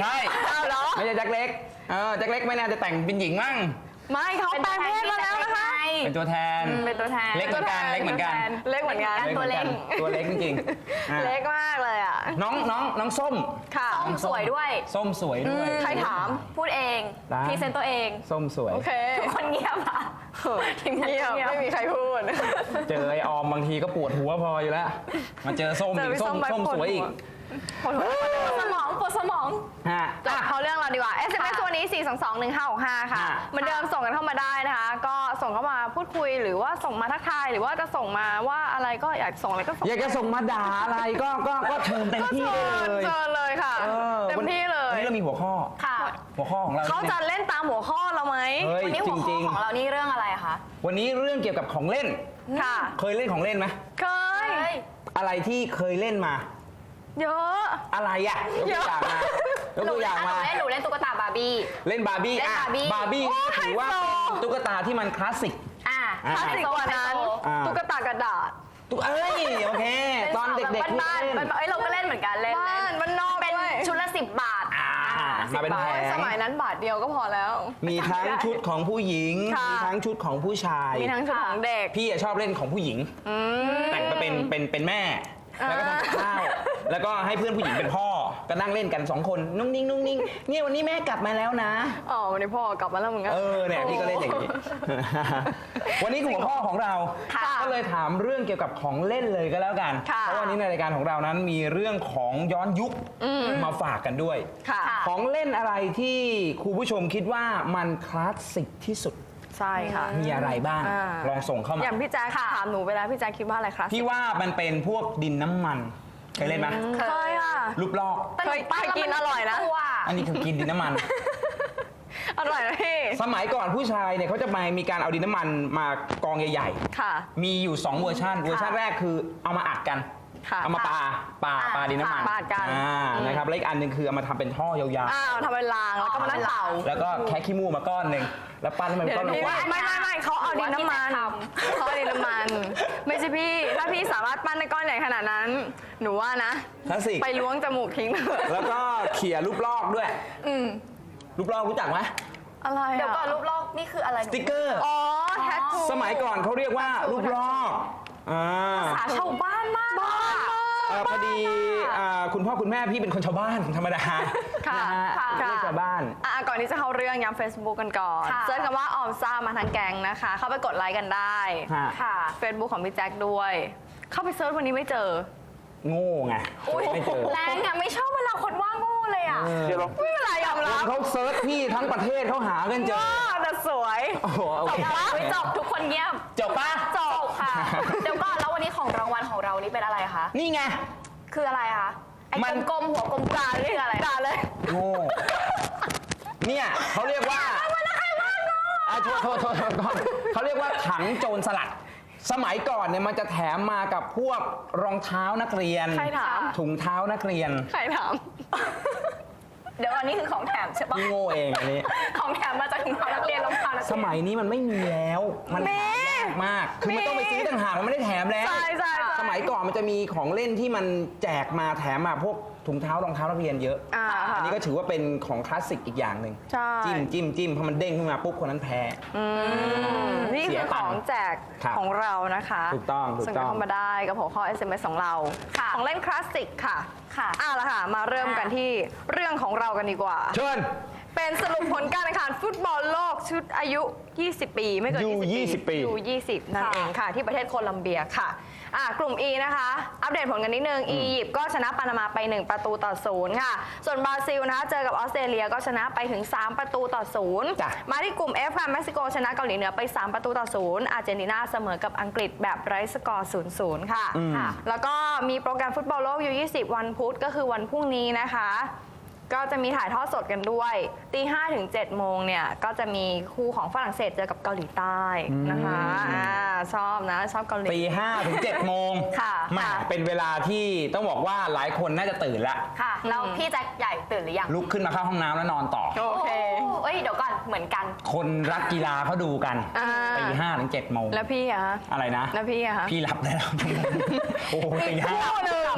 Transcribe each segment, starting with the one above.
ใช่เหรอไม่ใช่แจ็คเล็กแจ็คเล็กไม่น่าจะแต่งเป็นหญิงมั้งไม่เขาแปลงเพศมาแล้วนะคะเป็นตัวแทนเล็กเหมือนกันเล็กเหมือนกันตัวเล็กจริงเล็กมากเลยอ่ะน้องส้มค่ะส้มสวยด้วยส้มสวยด้วยใครถามพูดเองพรีเซนต์ตัวเองส้มสวยโอเคทุกคนเงียบอ่ะเงียบไม่มีใครพูดเจอไอออมบางทีก็ปวดหัวพออยู่แล้วมาเจอส้มอีกส้มสวยอีกปวดสมองจบเขาเรื่องเราดีกว่า SMS ตัวนี้ 4221565 ค่ะเหมือนเดิมส่งกันเข้ามาได้นะคะก็ส่งเข้ามาพูดคุยหรือว่าส่งมาทักทายหรือว่าจะส่งมาว่าอะไรก็อยากส่งอะไรก็ส่งอยากจะส่งมาด่าอะไรก็เชิญเต็มที่เลยเชิญเลยค่ะเต็มที่เลยวันนี้เรามีหัวข้อหัวข้อของเราเขาจะเล่นตามหัวข้อเราไหมวันนี้หัวข้อของเรานี่เรื่องอะไรคะวันนี้เรื่องเกี่ยวกับของเล่นค่ะเคยเล่นของเล่นไหมเคยอะไรที่เคยเล่นมาเยอะอะไรอ่ะยกตัวอย่างมาหนูเล่นตุ๊กตาบาร์บี้เล่นบาร์บี้ถือว่าเป็นตุ๊กตาที่มันคลาสสิกคลาสสิกกว่านั้นตุ๊กตากระดาษโอเคตอนเด็กๆบ้านเราก็เล่นเหมือนกันเล่นมันนอกเป็นชุดละ10 บาทมาเป็นแผงสมัยนั้นบาทเดียวก็พอแล้วมีทั้งชุดของผู้หญิงมีทั้งชุดของผู้ชายมีทั้งชุดของเด็กพี่ชอบเล่นของผู้หญิงแต่งมาเป็นแม่แล้วก็ทำกับข้าวแล้วก็ให้เพื่อนผู้หญิงเป็นพ่อก็นั่งเล่นกัน2คนนุ่งนิ่งเนี่ยวันนี้แม่กลับมาแล้วนะวันนี้พ่อกลับมาแล้วมึงเนี่ยพี่ก็เล่นอย่างนี้วันนี้หัวข้อของเราก็เลยถามเรื่องเกี่ยวกับของเล่นเลยก็แล้วกันเพราะวันนี้ในรายการของเรานั้นมีเรื่องของย้อนยุคมาฝากกันด้วยของเล่นอะไรที่ครูผู้ชมคิดว่ามันคลาสสิกที่สุดใช่ค่ะมีอะไรบ้างลองส่งเข้ามาอย่างพี่แจ๊คถามหนูไปแล้วพี่แจ๊คคิดว่าอะไรครับพี่ว่ามันเป็นพวกดินน้ำมันเคยเล่นไหมเคยค่ะรูปลอกเคยกินอร่อยนะอันนี้คือกินดินน้ำมันอร่อยนะพี่สมัยก่อนผู้ชายเนี่ยเขาจะมีการเอาดินน้ำมันมากองใหญ่ๆมีอยู่2เวอร์ชันแรกคือเอามาอัดกันเอามาปาดินน้ำมันปากันนะครับแล้วอีกอันหนึ่งคือเอามาทำเป็นท่อยาวๆทำเป็นรางแล้วก็มานั่งเป่าแล้วก็แค่ขี้มูกมาก้อนหนึ่งแล้วปั้นให้มันก้อนลงไม่เขาเอาดินน้ำมันไม่ใช่พี่ถ้าพี่สามารถปั้นในก้อนใหญ่ขนาดนั้นหนูว่านะไปล้วงจมูกทิ้งแล้วก็เขี่ยรูปลอกด้วยรูปลอกรู้จักไหมอะไรเดี๋ยวก่อนรูปลอกนี่คืออะไรสติ๊กเกอร์แทททูสมัยก่อนเขาเรียกว่ารูปลอกภาษาชาวบ้านมากพอดีคุณพ่อคุณแม่พี่เป็นคนชาวบ้านธรรมดาเรียกชาวบ้านก่อนที่จะเข้าเรื่องย้ำ Facebook กันก่อนเซิร์ชคำว่าออมซ่ามาทางแกงนะคะเข้าไปกดไลค์กันได้ค่ะ Facebook ของพี่แจ็คด้วยเข้าไปเซิร์ชวันนี้ไม่เจอโง่ไงไม่เจอแรงอะไม่ชอบเวลาคนว่าโง่เลยอะไม่เป็นไรยอมรับเขาเซิร์ชพี่ทั้งประเทศเขาหากันเจอแต่สวยจบทุกคนเงียบจบป่ะจบค่ะเดี๋ยวก่อนแล้ววันนี้ของรางวัลของเรานี่เป็นอะไรคะนี่ไงคืออะไรคะไอ้กลมๆหัวกลมๆนี่คืออะไรด่าเลยโง่เนี่ยเขาเรียกว่าโทษเขาเรียกว่าถังโจรสลัดสมัยก่อนเนี่ยมันจะแถมมากับพวกรองเท้านักเรียนถุงเท้านักเรียนใครถามเดี๋ยวอันนี้คือของแถมใช่ปะพี่โง่เองอันนี้ของแถมมาจากถุงเท้านักเรียนรองเท้านักเรียนสมัยนี้มันไม่มีแล้วมันหายากมากคือมันต้องไปซื้อต่างหากมันไม่ได้แถมแล้วสมัยก่อนมันจะมีของเล่นที่มันแจกมาแถมมาพวกถุงเท้ารองเท้านักเรียนเยอะอันนี้ก็ถือว่าเป็นของคลาสสิกอีกอย่างหนึ่งจิ้มพอมันเด้งขึ้นมาปุ๊บคนนั้นแพ้นี่คือของแจกของเรานะคะถูกต้องส่งเข้ามาได้กับหัวข้อ SMS ของเราของเล่นคลาสสิกค่ะละค่ะมาเริ่มกันที่เรื่องของเรากันดีกว่าเชิญเป็นสรุปผลการแข่งขันฟุตบอลโลกชุดอายุ20 ปีไม่เกิน 20 ปี 20นั่นเองค่ะที่ประเทศโคลัมเบียค่ะกลุ่ม E นะคะอัปเดตผลกันนิดนึงอียิปต์ก็ชนะปานามาไป1-0ค่ะส่วนบราซิลนะคะเจอกับออสเตรเลียก็ชนะไปถึง3-0มาที่กลุ่ม F ค่ะเม็กซิโกชนะเกาหลีเหนือไป3-0อาร์เจนตินาเสมอกับอังกฤษแบบไร้สกอร์0-0ค่ะแล้วก็มีโปรแกรมฟุตบอลโลกU20วันพุธก็คือวันพรุ่งนี้นะคะก็จะมีถ่ายทอดสดกันด้วย5 ถึง 7 โมงเนี่ยก็จะมีคู่ของฝรั่งเศสเจอกับเกาหลีใต้นะคะชอบนะชอบเกาหลี 5 ถึง 7 โมงมาเป็นเวลาที่ต้องบอกว่าหลายคนน่าจะตื่นละค่ะแล้วพี่แจ็คใหญ่ตื่นหรือยังลุกขึ้นมาเข้าห้องน้ำแล้วนอนต่อโอเคเดี๋ยวก่อนเหมืมือนกันคนรักกีฬาเขาดูกันตี5 ถึง 7 โมงแล้วพี่อะฮะอะไรนะแล้วพี่อะฮะพี่หลับแล้ว โอ้โหตีอีก 5 คู่หนึ่ง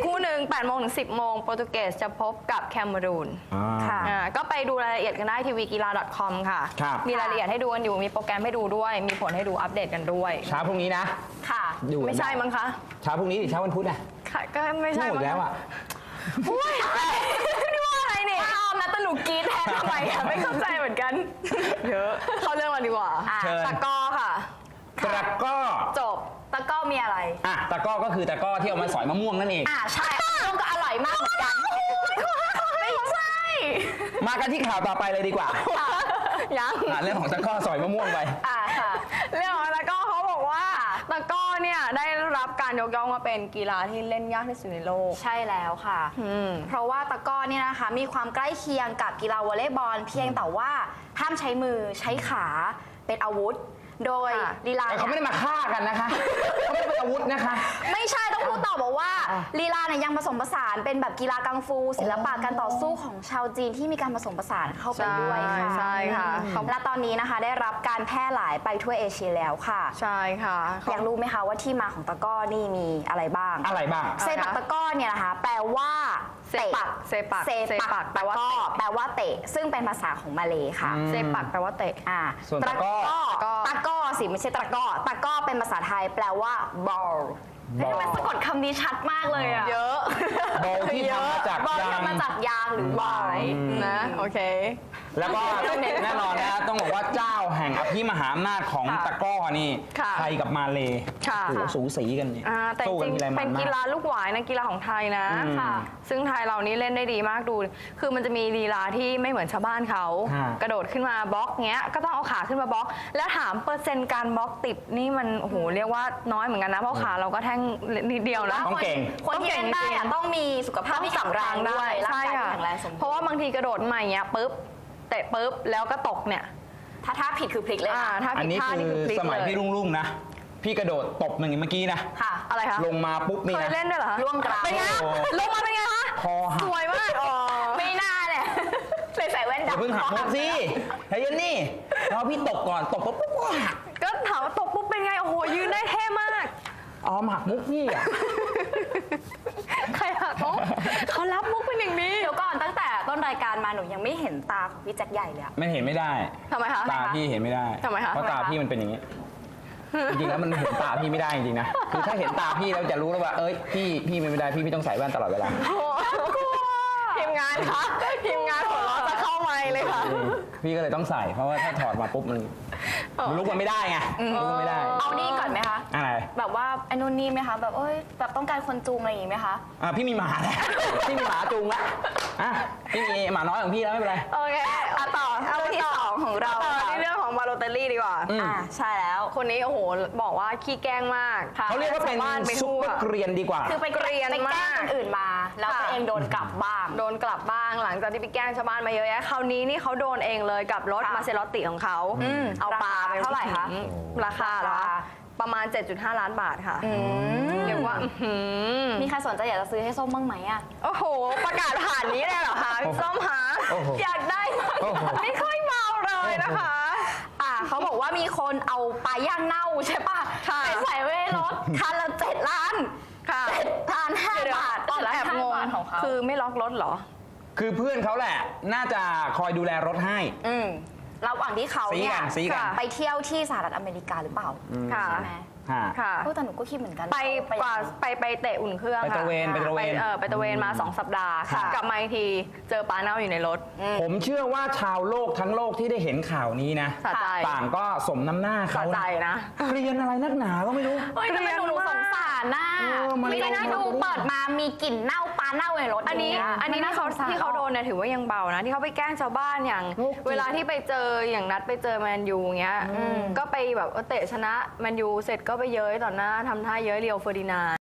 8 โมงถึง 10 โมงโปรตุเกสจะพบกับแคเมรูนค่ะก็ไปดูรายละเอียดกันได้ทีวีกีฬา .com ค่ะครับมีรายละเอียดให้ดูกันอยู่ มีโปรแกรมให้ดูด้วย มีผลให้ดูอัปเดตกันด้วยเช้าพรุ่งนี้นะค่ะดูกันไม่ใช่มั้งคะเช้าพรุ่งนี้หรือเช้าวันพุธอะค่ะก็ไม่ใช่หมดมั้งแล้วคะอะอุ้ยนี่ว่าอะไรเนี่ยอ้าวนะแต่หนูกรีดแทนทำไมอะไม่เข้าใจเหมือนกันเยอะเข้าเรื่องมาดีกว่าเชิญตะกร้อค่ะตะกร้อจบตะกร้อมีอะไรอ่ะตะกร้อก็คือตะกร้อที่เอามาสอยมะม่วงนั่นเองใช่มะม่วงก็อร่อยมากเหมือนกัน ไม่ใช่มากันที่ข่าวต่อไปเลยดีกว่ายังเรื่องของตะกร้อสอยมะม่วงไปค่ะเรื่องของตะกร้อเขาบอกว่าตะกร้อเนี่ยได้รับการยกย่องว่าเป็นกีฬาที่เล่นยากที่สุดในโลกใช่แล้วค่ะ เพราะว่าตะกร้อเนี่ยนะคะมีความใกล้เคียงกับกีฬาวอลเลย์บอลเพียงแต่ว่าห้ามใช้มือใช้ขาเป็นอาวุธ โดยค่ะลีลาแต่เขาไม่ได้มาฆ่ากันนะคะเขาไม่ได้เป็นอาวุธนะคะไม่ใช่ต้องพูดต่อบอกว่าลีลาเนี่ยยังผสมผสานเป็นแบบกีฬากังฟู ศิลปะการต่อสู้ของชาวจีนที่มีการผสมผสานเข้าไปด้วยค่ะใช่ค่ะและตอนนี้นะคะได้รับการแพร่หลายไปทั่วเอเชียแล้วค่ะใช่ค่ะอยากรู้ไหมคะว่าที่มาของตะกร้อนี่มีอะไรบ้างอะไรบ้างเซปักตะกร้อเนี่ยนะคะแปลว่าเซปักเซปักเซเซปัปักกแปลว่าเตะแปลว่าเตะซึ่งเป็นภาษาของมาเลยค่ะเซปักแปลว่าเตะส่วนตะกร้อตะกร้อสิไม่ใช่ตะกร้อตะกร้อเป็นภาษาไทยแปลว่า ball บอลทำไมสะกดคำนี้ชัดมากเลยอะเยอะบอลที่ทำมาจากบอลยางทำมาจากยางหรือวายนะโอเคแล้วก็แน่นอนนะต้องบอกว่าเจ้าแห่งอภิมหาอำนาจของค่ะตะกร้อนี่ค่ะไทยกับมาเลค่ะโอ้โหสูสีกันเนี่ยแต่จสู้กัรินงทีไรๆมัเป็น นมากีกฬาลูกหวายนะกีฬาของไทยนะค่ะซึ่งไทยเรานี้เล่นได้ดีมากดู คือมันจะมีลีลาที่ไม่เหมือนชาวบ้านเขาค่ะกระโดดขึ้นมาบล็อกเงี้ยก็ต้องเอาขาขึ้นมาบล็อก แล้วถามเปอร์เซ็นต์การบล็อกติดนี่มันโอ้โหเรียกว่าน้อยเหมือนกันนะเพราะขาเราก็แท่งนิดเดียวนะต้องเก่งคนที่เล่นได้อะต้องมีสุขภาพที่แข็งแรงด้วยร่างใช่กายที่ค่ะแข็งแรงสมบูรณ์เพราะว่าบางทีกระโดดมาอย่างเงี้ยปุ๊บเตะปุ๊บแล้วก็ตกเนี่ยถ้าผิดคือพลิกเลยถ้าอันผิดนี้ท่าคืนี่อคือพลิกสมัยเลยพี่รุ่งๆนะ พี่กระโดดตบหนึ่งเมื่อกี้นะค่ะอะไรคะลงมาปุ๊บนี่เคยนะเล่นด้วยเหรอคะร่วงกราวเป็นไงโอ้โหลงมาเป็นไงคะคอหัสกวยมากอ๋อไม่น่าเนี่ยใส่แว่นอย่าดำเพิ่งหักมุกสิใจเย็นนี่รอพี่ตกก่อนตกปุ๊บปุ๊บปุ๊บหักก็ถามว่าตกปุ๊บเป็นไงโอ้โหยืนได้เท่มากอ๋อมาหักมุกพี่อ่ะใครหักมุกเขารับมุกเป็นอย่างนี้เดี๋ยวก่อนตั้งแต่ต้นรายการมาหนูยังไม่เห็นตาของพี่แจ็คใหญ่เลยอะไม่เห็นไม่ได้ทำไมคะตาพี่เห็นไม่ได้ทำไมคะเพราะตาพี่มันเป็นอย่างนี้ จริงๆแล้วมันเห็นตาพี่ไม่ได้จริงๆนะ คือถ้าเห็นตาพี่แล้วจะรู้แล้วว่า เอ้ยพี่ไม่ได้พี่ต้องใส่แว่นตลอดเวลาทีมงานคะทีมงานหัวเราะจะเข้าไมค์เลยค่ะพี่ก็เลยต้องใส่ เพราะว่าถ้าถอดมาปุ๊บมันลุกมันไม่ได้ไงลุกมันไม่ได้เอานี่ก่อนไหมคะอะไรแบบว่าไอ้นู่นนี่ไหมคะ แบบเอ้ยแบบต้องการคนจูงอะไรอย่างงี้ไหมคะพี่มีหมาแล้ว พี่มีหมาจูงแล้วพี่มีหมาน้อยของพี่แล้วไม่เป็นไรโอเคต่อเอาเรื่องที่สองของเราต่อค่ะที่เรื่องของบาโลเตลลี่ดีกว่าใช่แล้วคนนี้โอ้โหบอกว่าขี้แกล้งมากเขาเรียกว่าเป็นชบ้ไปซุปทั่วเปอร์เกรียนดีกว่าคือไปเกรียนไปแกล้มาง กคนอื่นมา แล้วตัวเองโดนกลับบ้างโดนกลับบ้างหลังจากที่ไปแกล้งชาวบ้านมาเยอะแยะคราวนี้นี่เขาโดนเองเลยกับรถค่ะมาเซรอตติของเขา เอาปลาไปราคาเท่าไหร่คะราคาเหรอคะประมาณ 7.5 ล้านบาทค่ะเรียกว่ามีใครสนใจอยากจะซื้อให้ส้มบ้างไหมอะโอ้โห ประกาศผ่านนี้เลยเหรอคะพี่ส้มหาโอ้โหอยากได้มากโอ้โหไม่ค่อยเมาเลยนะคะเขาบอกว่ามีคนเอาปลาย่างเน่าใช่ปะค่ะไปใส่ไว้ในรถคันละ7 ล้านค่ะ 7 ล้าน 5 บาทแอบงงของเขาคือไม่ล็อกรถเหรอคือเพื่อนเขาแหละ น่าจะคอยดูแลรถให้ระหว่างที่เขาเนี่ยซี้กันไปเที่ยวที่สหรัฐอเมริกาหรือเปล่าค่ะใช่ไหมค่ะแต่หนูก็คิดเหมือนกันไปกว่าไปเตะอุ่นเครื่องไปตระเวนค่ไปตระเวนไปตระเวนมา 2 สัปดาห์ค่ะกลับมาอีกทีเจอปลาเน่าอยู่ในรถผมเชื่อว่าชาวโลกทั้งโลกที่ได้เห็นข่าวนี้นะสะใจต่างก็สมน้ำหน้าสะเขาใจนะเรียนอะไรนักหนาก็ไม่รู้เฮ้ยทำไมหนูสงสารน่ะมันไม่ได้น่าดูเปิดมามีกลิ่นเน่าปลาเน่าในรถอันนี้ย่างเงี้ยที่เขาโดนเนี่ยถือว่ายังเบานะที่เขาไปแกล้งชาวบ้านอย่างโรคจิตเวลาที่ไปเจออย่างนัดไปเจอแมนยูเงี้ยก็ไปแบบเตะชนะแมนยูเสร็จก็ไปเย้ยต่อหน้าทำท่าเย้ยเรียวเฟอร์ดินานด์